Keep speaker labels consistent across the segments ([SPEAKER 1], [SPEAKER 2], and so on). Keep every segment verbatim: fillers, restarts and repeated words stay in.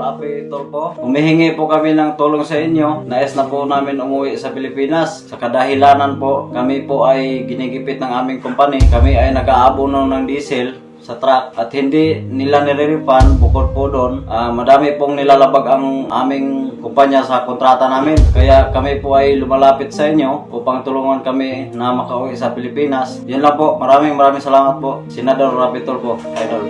[SPEAKER 1] Rapi Tulfo. Humihingi po kami ng tulong sa inyo. Nais na po namin umuwi sa Pilipinas. Sa kadahilanan po, kami po ay ginigipit ng aming company. Kami ay nag-aabono ng diesel sa truck at hindi nila nire-refund. Bukod po doon, uh, madami pong nilalabag ang aming kumpanya sa kontrata namin. Kaya kami po ay lumalapit sa inyo upang tulungan kami na makauwi sa Pilipinas. Yan lang po. Maraming maraming salamat po. Senador Rapi Tulfo, Idol.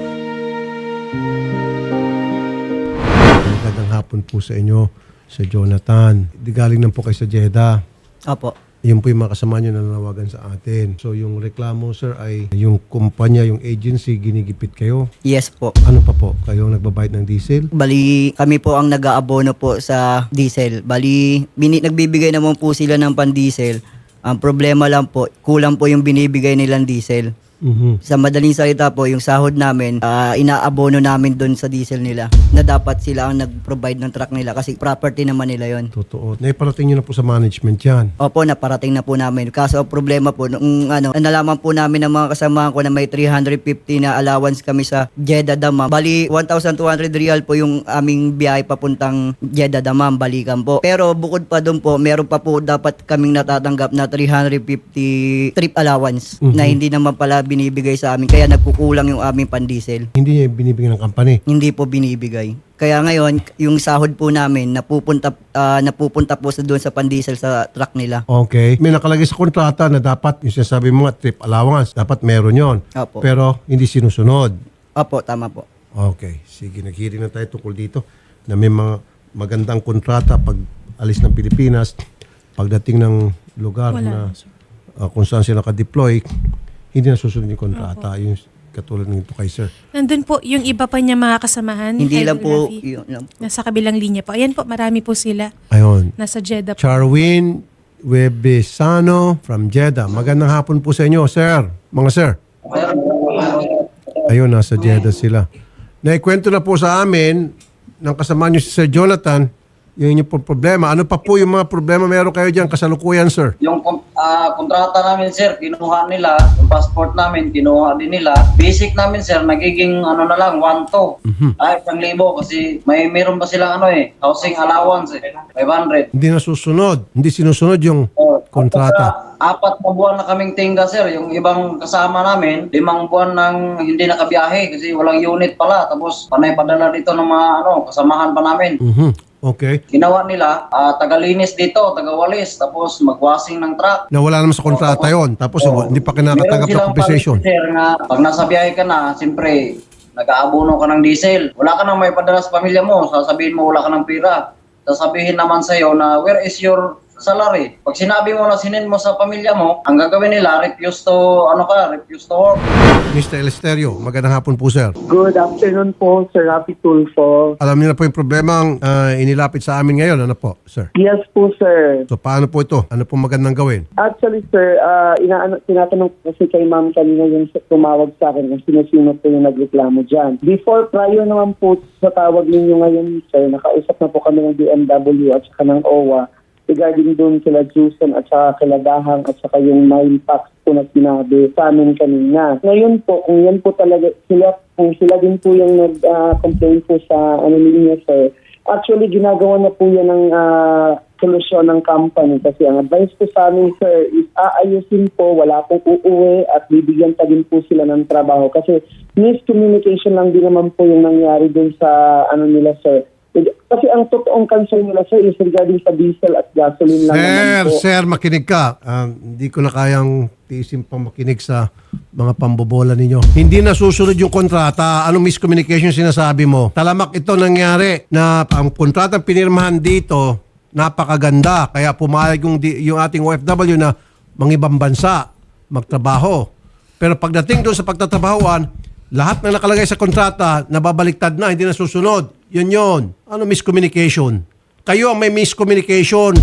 [SPEAKER 2] Magandang hapon po sa inyo, Sir Jonathan. Di galing lang po kayo sa Jeddah.
[SPEAKER 3] Opo.
[SPEAKER 2] Yun po yung mga kasama nyo na nanawagan sa atin. So yung reklamo, sir, ay yung kumpanya, yung agency, ginigipit kayo.
[SPEAKER 3] Yes po.
[SPEAKER 2] Ano pa po? Kayo nagbabayad ng diesel?
[SPEAKER 3] Bali, kami po ang nag-aabono po sa diesel. Bali, bini- nagbibigay naman po sila ng pan-diesel. Ang problema lang po, kulang po yung binibigay nilang diesel.
[SPEAKER 2] Mhm.
[SPEAKER 3] Sa madaling salita po, yung sahod namin, ah, inaabono namin doon sa diesel nila na dapat sila ang nag-provide ng truck nila kasi property naman nila yon.
[SPEAKER 2] Totoo. Naiparating nyo na po sa management yan.
[SPEAKER 3] Opo, naparating na po namin. Kaso ang problema po, nung ano, nalaman po namin ng mga kasamahan ko na may three hundred fifty na allowance kami sa Jeddah Dammam. Bali, one thousand two hundred real po yung aming biyahe papuntang Jeddah Dammam, balikan po. Pero bukod pa doon po, meron pa po dapat kaming natatanggap na three hundred fifty trip allowance
[SPEAKER 2] Mhm.
[SPEAKER 3] na hindi naman pala binibigay sa amin. Kaya nagkukulang yung aming pan-diesel.
[SPEAKER 2] Hindi niya binibigyan ng company.
[SPEAKER 3] Hindi po binibigay. Kaya ngayon, yung sahod po namin napupunta ah, napupunta po sa doon sa pan-diesel sa truck nila.
[SPEAKER 2] Okay. May nakalagay sa kontrata na dapat, yung sinasabi mo nga, trip allowance, dapat meron yon.
[SPEAKER 3] Opo.
[SPEAKER 2] Pero hindi sinusunod.
[SPEAKER 3] Opo, tama po.
[SPEAKER 2] Okay. Sige, nag-hearing na tayo tungkol dito na may mga magandang kontrata pag alis ng Pilipinas, pagdating ng lugar na uh, kung saan sila naka-deploy, hindi na susunod yung kontrata. Yung katulad ng ito kay sir.
[SPEAKER 4] Nandun po yung iba pa niya mga kasamahan.
[SPEAKER 3] Hindi
[SPEAKER 4] Idol
[SPEAKER 3] lang po,
[SPEAKER 4] Rafi.
[SPEAKER 3] yun lang po.
[SPEAKER 4] Nasa kabilang linya po. Ayan po, marami po sila.
[SPEAKER 2] Ayun.
[SPEAKER 4] Nasa Jeddah po.
[SPEAKER 2] Charwin Webesano from Jeddah. Magandang hapon po sa inyo, sir. Mga sir. Ayun, nasa Jeddah sila. Naikwento na po sa amin ng kasama niyo si Sir Jonathan yung inyong po problema. Ano pa po yung mga problema meron kayo dyan kasalukuyan, sir?
[SPEAKER 1] Yung ah, kontrata namin, sir, kinuha nila. Yung passport namin, kinuha din nila. Basic namin, sir, nagiging ano na lang, one to. Ay, isang libo kasi may meron pa silang ano eh, housing allowance eh, five hundred.
[SPEAKER 2] Hindi nasusunod. Hindi sinusunod yung
[SPEAKER 1] Oh,
[SPEAKER 2] kontrata.
[SPEAKER 1] Saka, apat na buwan na kaming tingga, sir. Yung ibang kasama namin, limang buwan nang hindi nakabiyahe kasi walang unit pala. Tapos panay padala dito ng mga ano, kasamahan pa namin.
[SPEAKER 2] Mhm. Okay.
[SPEAKER 1] Ginawa nila, ah, tagalinis dito, tagawalis, tapos magwashing ng truck.
[SPEAKER 2] Nawala naman sa kontrata yon. Tapos
[SPEAKER 1] Oo.
[SPEAKER 2] hindi pa kinakatanggap
[SPEAKER 1] Meron
[SPEAKER 2] ng
[SPEAKER 1] silang
[SPEAKER 2] compensation.
[SPEAKER 1] policy, sir, nga pag nasa biyahe ka na, siyempre, nag-aabono ka ng diesel. Wala ka nang may padala sa pamilya mo, sasabihin mo wala ka ng pera. Sasabihin naman sa'yo na, where is your salary? Pag sinabi mo na sinin mo sa pamilya mo, ang gagawin nila, refuse to, ano ka, refuse to work.
[SPEAKER 2] Mister Elesterio, magandang hapon po, sir.
[SPEAKER 5] Good afternoon po, Sir Rafi Tulfo.
[SPEAKER 2] Alam niyo na po yung problema ang ah, inilapit sa amin ngayon. Ano po, sir?
[SPEAKER 5] Yes po, sir.
[SPEAKER 2] So, paano po ito? Ano po magandang gawin?
[SPEAKER 5] Actually, sir, uh, inaano, tinatanong ko kasi kay ma'am kanina yung tumawag sa akin kung sino-sino po yung nagreklamo dyan. Before, prior naman po sa tawag ninyo ngayon, sir, nakausap na po kami ng D M W at saka ng O W A regarding doon kila Jusen at saka kila Dahang at saka yung mile tax po na sinabi sa amin kanina. Ngayon po, kung yan po talaga, sila, kung sila din po yung nag-complain po sa ano ninyo, sir, actually ginagawa na po yan ng uh, solusyon ng company kasi ang advice ko sa amin, sir, is aayusin po, wala pong uuwi at bibigyan pa din po sila ng trabaho kasi miscommunication lang din naman po yung nangyari doon sa ano nila, sir. Kasi ang totoong concern nila, sir, is regarding sa diesel at gasoline lang naman
[SPEAKER 2] Sir,
[SPEAKER 5] po.
[SPEAKER 2] sir, makinig ka. Ah, hindi ko na kayang tiisin pang makinig sa mga pambobola ninyo. Hindi nasusunod yung kontrata. Anong miscommunication sinasabi mo? Talamak ito nangyari na ang kontrata pinirmahan dito, napakaganda. Kaya pumayag yung, di- yung ating O F W na mangibang bansa, magtrabaho. Pero pagdating doon sa pagtatrabahuan, lahat na nakalagay sa kontrata, nababaliktad na, hindi nasusunod. Yun yun. Ano miscommunication? Kayo ang may miscommunication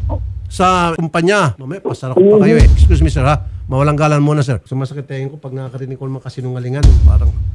[SPEAKER 2] sa kumpanya. Mamaya, pasara ko pa kayo eh. Excuse me, sir, ha? Mawalang galan muna, sir. Sumasakit tayo ko pag nakakarinig ko naman kasinungalingan. Parang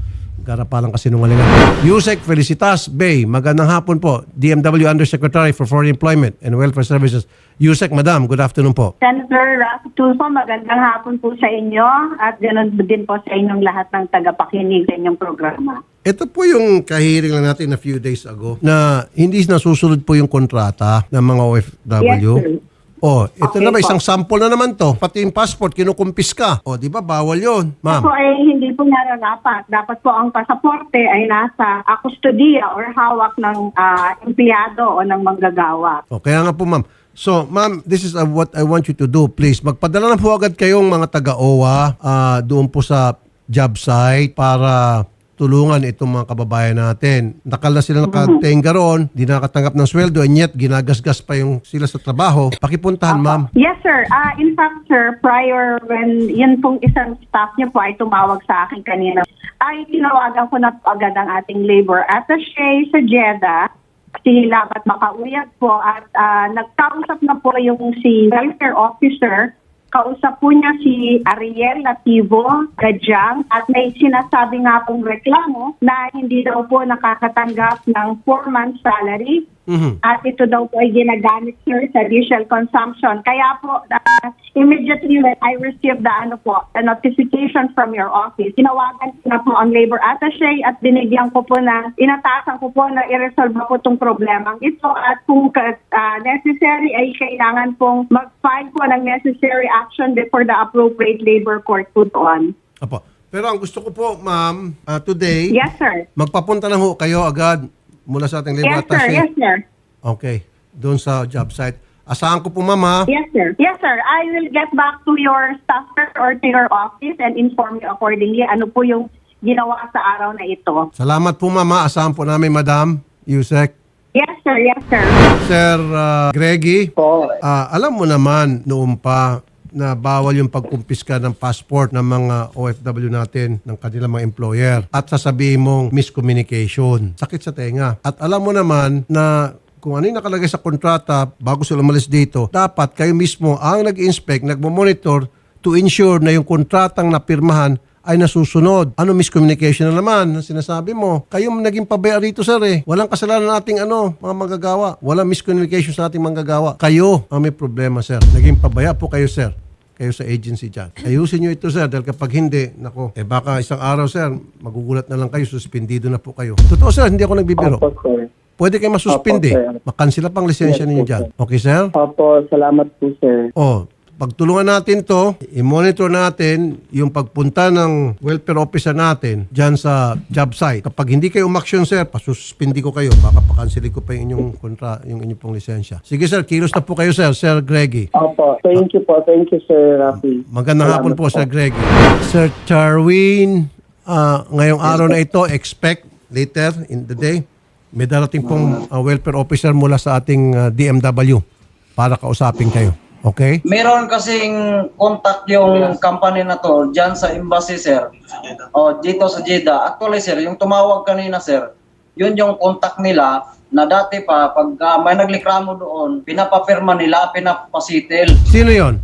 [SPEAKER 2] Garapalang kasinungalingan. Yusek Felicitas Bay, magandang hapon po. D M W Undersecretary for Foreign Employment and Welfare Services. Yusek, Madam, good afternoon po.
[SPEAKER 6] Senator Rafi Tulfo, magandang hapon po sa inyo at ganoon din po sa inyong lahat ng tagapakinig sa inyong programa.
[SPEAKER 2] Ito po yung kahiring lang natin a few days ago na hindi nasusunod po yung kontrata ng mga O F W.
[SPEAKER 6] Yes, sir.
[SPEAKER 2] Oh, ito
[SPEAKER 6] Okay
[SPEAKER 2] na ba,
[SPEAKER 6] po.
[SPEAKER 2] isang sample na naman to. Pati yung passport, kinukumpis ka. O, di ba, bawal yun,
[SPEAKER 6] Po
[SPEAKER 2] ma'am.
[SPEAKER 6] ay hindi po nararapat. Dapat po ang pasaporte ay nasa uh, kustodiya or hawak ng ah, empleyado o ng manggagawa.
[SPEAKER 2] O, kaya nga po, ma'am. So, ma'am, this is uh, what I want you to do. Please, magpadala na po agad kayong mga taga-O W A ah, doon po sa job site para tulungan itong mga kababayan natin. Nakal na sila nakatenga roon, di nakatanggap ng sweldo, and yet ginagasgas pa yung sila sa trabaho. Pakipuntahan, ma'am.
[SPEAKER 6] Yes, sir. Ah, in fact, sir, prior when yun pong isang staff niyo po ay tumawag sa akin kanina, ay tinawagan ko na po agad ang ating labor attaché sa Jeddah, si Labat Makauyag po, at ah, nagkausap na po yung si welfare officer. Kausap po niya si Ariel Nativo Gajang at may sinasabi nga pong reklamo na hindi daw po nakakatanggap ng four months salary.
[SPEAKER 2] Mhm.
[SPEAKER 6] At ito daw po ay ginagamit, sir, sa diesel consumption. Kaya po, uh, immediately when I received the, ano po, the notification from your office, tinawagan ko na po ang labor attaché at binigyan ko po na, inatasan ko po na i-resolve po itong problemang ito. At kung uh, necessary ay kailangan pong mag-file po ng necessary action before the appropriate labor court po doon.
[SPEAKER 2] Apo. Pero ang gusto ko po, ma'am, ah, today,
[SPEAKER 6] Yes, sir.
[SPEAKER 2] magpapunta na ho kayo agad mula sa ating labor
[SPEAKER 6] Yes, sir.
[SPEAKER 2] attaché.
[SPEAKER 6] Yes, sir.
[SPEAKER 2] Okay. Doon sa job site. Asahan ko po, ma'am, ha?
[SPEAKER 6] Yes, sir. Yes, sir. I will get back to your staff sir, or to your office and inform you accordingly ano po yung ginawa sa araw na ito.
[SPEAKER 2] Salamat po, ma'am, ha? Asahan po namin, Madam Yusek.
[SPEAKER 6] Yes, sir. Yes, sir.
[SPEAKER 2] Sir ah, Greggy,
[SPEAKER 5] Po,
[SPEAKER 2] ah, alam mo naman noon pa na bawal yung pagkumpiska ng passport ng mga O F W natin, ng kanilang mga employer. At sasabihin mong miscommunication. Sakit sa tenga. At alam mo naman na kung ano yung nakalagay sa kontrata bago sila umalis dito, dapat kayo mismo ang nag-inspect, nagmo-monitor to ensure na yung kontratang napirmahan ay nasusunod. Ano miscommunication na naman ang sinasabi mo? Kayo naging pabaya rito, sir, eh. Walang kasalanan nating ano, mga manggagawa. Walang miscommunication sa ating manggagawa. Kayo ang may problema, sir. Naging pabaya po kayo, sir. Kayo sa agency dyan. Ayusin nyo ito, sir, dahil kapag hindi, nako, eh baka isang araw, sir, magugulat na lang kayo, suspendido na po kayo. Totoo, sir, hindi ako nagbibiro.
[SPEAKER 5] opo, sir.
[SPEAKER 2] Pwede kayo masuspindi.
[SPEAKER 5] Opo, sir.
[SPEAKER 2] Makansila pang lisensya
[SPEAKER 5] Yes,
[SPEAKER 2] ninyo
[SPEAKER 5] po,
[SPEAKER 2] dyan.
[SPEAKER 5] sir.
[SPEAKER 2] Okay, sir?
[SPEAKER 5] Opo, salamat po, sir.
[SPEAKER 2] Oh, pagtulungan natin to, i-monitor natin yung pagpunta ng welfare officer natin dyan sa job site. Kapag hindi kayo umaksyon, sir, pasuspindi ko kayo. Baka pakansili ko pa yung inyong kontra, yung inyong pong lisensya. Sige, sir, kilos na po kayo, sir. Sir Greggy.
[SPEAKER 5] Opo, thank you po. Thank you, Sir Rafi.
[SPEAKER 2] Magandang hapon po, Sir Greggy. Sir Charwin, ah, ngayong araw na ito, expect later in the day, may darating pong ah, welfare officer mula sa ating ah, D M W para kausapin kayo. Okay?
[SPEAKER 1] Meron kasing contact yung company na to dyan sa embassy, sir. O, dito sa Jeddah. Actually, sir, yung tumawag kanina, sir, yun yung contact nila na dati pa, pag ah, may naglikramo doon, pinapapirma nila, pinapasitil.
[SPEAKER 2] Sino yon?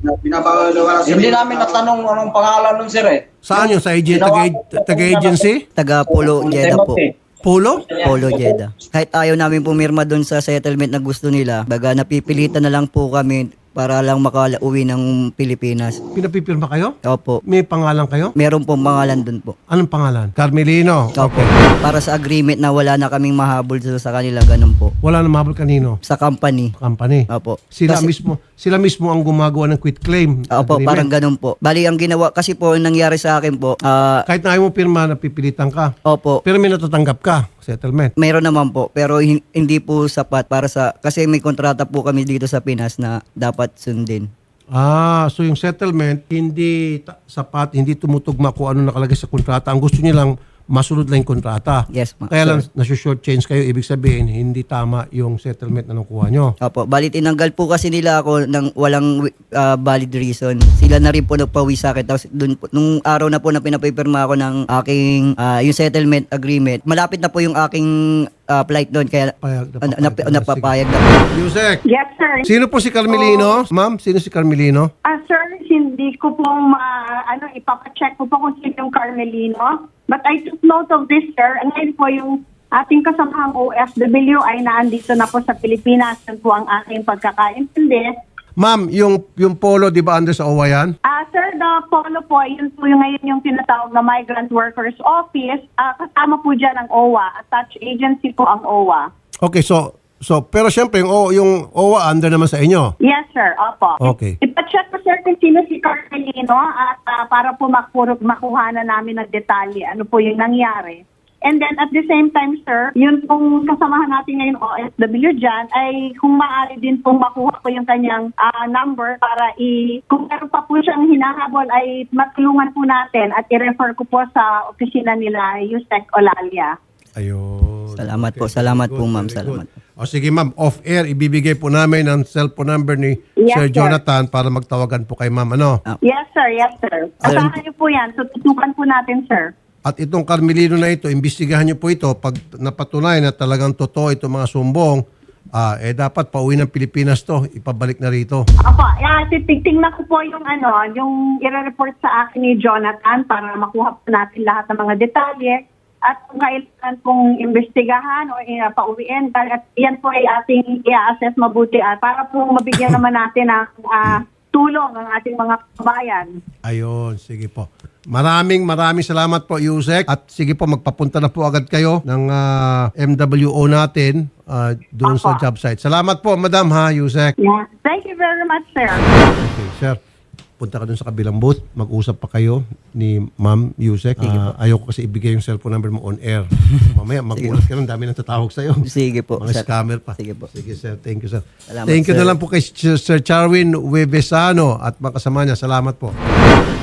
[SPEAKER 1] Hindi namin natanong anong pangalan nun, sir, eh.
[SPEAKER 2] Saan yun? Sa agen- taga- taga-agency?
[SPEAKER 3] Taga Polo Jeddah po.
[SPEAKER 2] Polo?
[SPEAKER 3] Polo Jeddah. Kahit ayaw namin pumirma doon sa settlement na gusto nila, baga napipilitan na lang po kami para lang makauwi ng Pilipinas.
[SPEAKER 2] Pinapipirma kayo?
[SPEAKER 3] Opo.
[SPEAKER 2] May pangalan kayo?
[SPEAKER 3] Meron pong pangalan doon po.
[SPEAKER 2] Anong pangalan? Carmelino.
[SPEAKER 3] Opo. Para sa agreement na wala na kaming mahabol sa sa kanila, ganun po.
[SPEAKER 2] Wala na mabal kanino?
[SPEAKER 3] Sa company.
[SPEAKER 2] Company.
[SPEAKER 3] Opo.
[SPEAKER 2] Sila
[SPEAKER 3] Kasi-
[SPEAKER 2] mismo sila mismo ang gumagawa ng quit claim.
[SPEAKER 3] Opo,
[SPEAKER 2] agreement.
[SPEAKER 3] parang ganun po. Bali, ang ginawa, kasi po, ang nangyari sa akin po, ah,
[SPEAKER 2] Kahit na ayaw mo pirma, napipilitan ka.
[SPEAKER 3] opo,
[SPEAKER 2] Pero may natatanggap ka. Settlement.
[SPEAKER 3] mayroon naman po, pero hin- hindi po sapat para sa, kasi may kontrata po kami dito sa Pinas na dapat sundin.
[SPEAKER 2] Ah, so yung settlement, hindi ta- sapat, hindi tumutugma kung ano nakalagay sa kontrata. Ang gusto niyo lang, masunod lang yung kontrata.
[SPEAKER 3] Yes, ma-
[SPEAKER 2] Kaya lang,
[SPEAKER 3] sir.
[SPEAKER 2] nasi-short change kayo. Ibig sabihin, hindi tama yung settlement na nakuha nyo.
[SPEAKER 3] Opo, bali tinanggal po kasi nila ako ng walang ah, valid reason. Sila na rin po nagpawi sa akin. Tapos dun, po- nung araw na po na pinapipirma ako ng aking ah, yung settlement agreement, malapit na po yung aking ah, flight doon. Kaya
[SPEAKER 2] Payag,
[SPEAKER 3] ah, nap-
[SPEAKER 2] napapayag.
[SPEAKER 3] napapayag na po.
[SPEAKER 2] Yusek,
[SPEAKER 6] Yes, sir.
[SPEAKER 2] sino po si Carmelino? Ma'am, sino si Carmelino?
[SPEAKER 6] Ah, sir, hindi ko po ma, ano, ipapacheck ko po kung sino yung Carmelino. But I took note of this, sir. And ngayon po yung ating kasamahang O F W ay naandito na po sa Pilipinas. Yan po ang aking pagkakaintindi.
[SPEAKER 2] Ma'am, yung, yung polo, di ba under sa O W A yan?
[SPEAKER 6] Ah, sir, the polo po, yun po yung ngayon yung tinatawag na Migrant Workers Office. Ah, kasama po dyan ang O W A. Attached agency po ang O W A.
[SPEAKER 2] Okay, so, so pero syempre, yung, O- yung O W A under naman sa inyo.
[SPEAKER 6] Yes, sir. Opo.
[SPEAKER 2] Okay.
[SPEAKER 6] Ipacheck po, sir, kung sino si Carmelino at ah, para po makuro, makuha na namin ng detalye ano po yung nangyari. And then at the same time, sir, yun pong kasamahan natin ngayon O F W dyan ay kung maaari din pong makuha po yung kanyang ah, number para i kung meron pa po siyang hinahabol ay matulungan po natin at i-refer ko po sa opisina nila Yusek Olalia.
[SPEAKER 2] Ayun.
[SPEAKER 3] Salamat po,
[SPEAKER 2] very
[SPEAKER 3] salamat
[SPEAKER 2] good,
[SPEAKER 3] po, ma'am,
[SPEAKER 2] very
[SPEAKER 3] salamat.
[SPEAKER 2] good. O sige ma'am, off-air, ibibigay po namin ang cellphone number ni
[SPEAKER 6] Yes,
[SPEAKER 2] Sir
[SPEAKER 6] sir.
[SPEAKER 2] Jonathan para magtawagan po kay ma'am. Ano?
[SPEAKER 6] Yes, sir. Yes, sir.
[SPEAKER 2] Alam-
[SPEAKER 6] Asahan niyo po yan. Tututukan po natin, sir.
[SPEAKER 2] At itong Carmelino na ito, imbestigahan niyo po ito. Pag napatunayan na talagang totoo itong mga sumbong, ah, eh dapat pauwi ng Pilipinas to, ipabalik na rito.
[SPEAKER 6] Opo, yeah, titignan ko po yung ano, yung i-report sa akin ni Jonathan para makuha po natin lahat ng mga detalye at kung kailangan pong imbestigahan o uh, pauwiin. At yan po ay ating i-assess mabuti at para po mabigyan naman natin ng ah, tulong ang ating mga kabayan.
[SPEAKER 2] Ayun, sige po. Maraming maraming salamat po, Yusek. At sige po, magpapunta na po agad kayo ng ah, M W O natin ah, doon sa
[SPEAKER 6] Opo.
[SPEAKER 2] job site. Salamat po, Madam ha, Yusek.
[SPEAKER 6] Yeah. Thank you very much, sir.
[SPEAKER 2] Okay, sir. Punta ka doon sa kabilang booth. Mag-usap pa kayo ni Ma'am Yusek. Ah, ayoko kasi ibigay yung cellphone number mo on air. Mamaya, magulat ka nun. Dami nang tatawag sa'yo.
[SPEAKER 3] Sige po,
[SPEAKER 2] Mga
[SPEAKER 3] sir.
[SPEAKER 2] scammer pa.
[SPEAKER 3] Sige po.
[SPEAKER 2] Sige, sir. Thank you, sir.
[SPEAKER 3] Salamat,
[SPEAKER 2] Thank you
[SPEAKER 3] sir.
[SPEAKER 2] na lang po kay Sir Charwin Webesano at mga kasama niya. Salamat po.